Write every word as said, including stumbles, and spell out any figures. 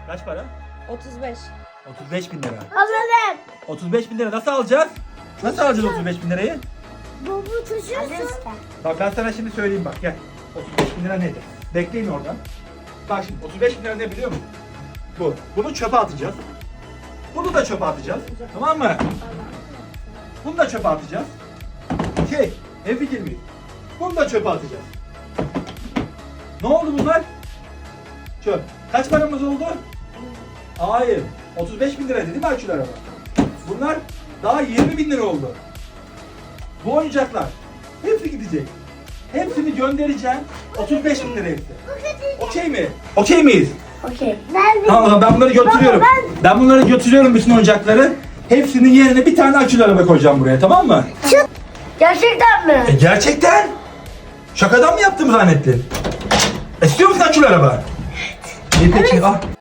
Kaç para? otuz beş. otuz beş bin lira. Alalım. otuz beş bin lira nasıl alacağız? Nasıl alacağız otuz beş bin lirayı? Baba taşıyorsun. Bak ben sana şimdi söyleyeyim bak gel. otuz beş bin lira nedir? Bekleyin oradan. Bak şimdi otuz beş bin lira ne biliyor musun? Bu. Bunu çöpe atacağız. Bunu da çöpe atacağız. Tamam mı? Bunu da çöpe atacağız. Şey, ne fikir miyiz? Bunu da çöpe atacağız. Ne oldu bunlar? Çöp. Kaç paramız oldu? Hayır. otuz beş bin lira değil mi Akül araba? Bunlar daha yirmi bin lira oldu. Bu oyuncaklar hepsi gidecek. Hepsini göndereceğim. otuz beş bin lira hepsi. Okey mi? Okey miyiz? Okey. Ben Tamam ben bunları götürüyorum. Baba, Ben bunları götürüyorum bütün oyuncakları. Hepsinin yerine bir tane akülü araba koyacağım buraya, tamam mı? Gerçekten mi? E, gerçekten. Şakadan mı yaptım zannettin? İstiyor musun akülü araba? Evet. İyi peki al.